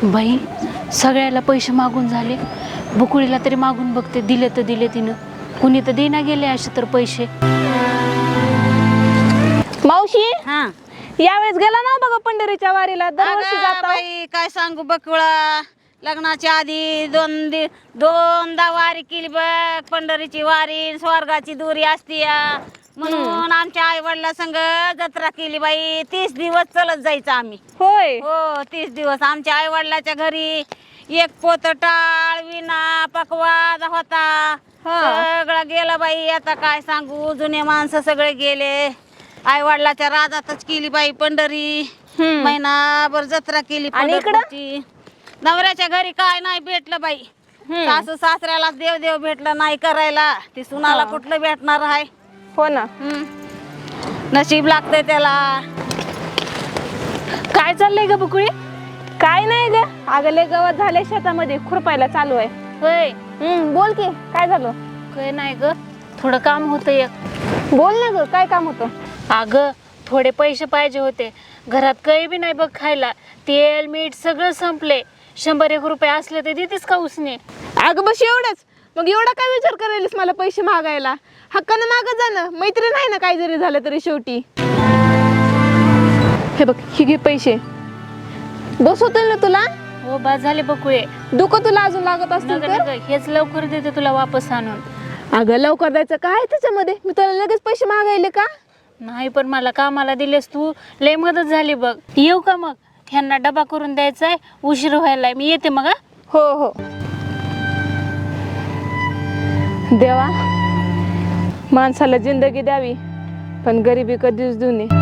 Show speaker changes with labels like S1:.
S1: बाई सगळ्याला पैसे मागून झाले, बुकुळीला तरी मागून बघते, दिले तर दिले तिनं, कुणी तर देना गेले असे तर पैसे.
S2: मावशी
S3: हा
S2: यावेळेस गेला ना बघा पंढरीच्या वारीला, दरवर्षी
S3: अगं
S2: जाता.
S3: बाई काय सांगू बकुळा, लग्नाच्या आधी दोनदा वारी केली बघ. पंढरीची वारी स्वर्गाची दुरी असती म्हणून आमच्या आई वडिला संग जत्रा केली बाई. 30 दिवस चलत जायचं आम्ही.
S2: होय.
S3: हो 30 दिवस आमच्या आई वडिलाच्या घरी एक पोत टाळ विना पकवाज होता. सगळं गेलं बाई. आता काय सांगू, जुने माणसं सगळे गेले. आई वडिलाच्या राजातच केली बाई पंढरी. महिनाभर जत्रा केली पंढरपूरची. नवऱ्याच्या घरी काय नाही भेटलं बाई. सासू सासऱ्याला देव देव भेटलं नाही करायला. ती सुनाला कुठलं भेटणार आहे.
S2: हो ना.
S3: नशीब लागतंय त्याला.
S2: काय चाललंय ग बुकुळी? काय नाही ग, अगं लय गवत झाले शेतामध्ये, खुरपायला चालू आहे.
S1: होय.
S2: बोल की काय झालं?
S1: काय नाही ग, थोडं काम होतं एक.
S2: बोल ना ग, काय काम होतं?
S1: अगं थोडे पैसे पाहिजे होते. घरात काही बी नाही बघ खायला. तेल मीठ सगळं संपले. 100-1 रुपये असले तर देतेस का उसने?
S2: अगं बस एवढंच. मग एवढा काय विचार करायलास मला पैसे मागायला? हक्कानं मागत जाणं, मैत्रीण आहे ना, काय जरी झालं तरी शेवटी. हे बघ, ही घे पैसे. बस होतं ना तुला?
S1: हो बा झाले बकुळे.
S2: दुखं तुला अजून लागत असतील तर?
S1: हेच लवकर देते तुला वापस आणून.
S2: अगं लवकर द्यायचं काय त्याच्यामध्ये? मी तुला लगेच पैसे मागायले का?
S1: नाही पण मला कामाला दिलेस तू, लय मदत झाली बघ. येऊ का मग? ह्यांना डबा करून द्यायचा आहे, उशीर व्हायलाय. मी येते मग.
S2: हो हो. देवा, माणसाला जिंदगी द्यावी पण गरिबी कधीच देऊ नये.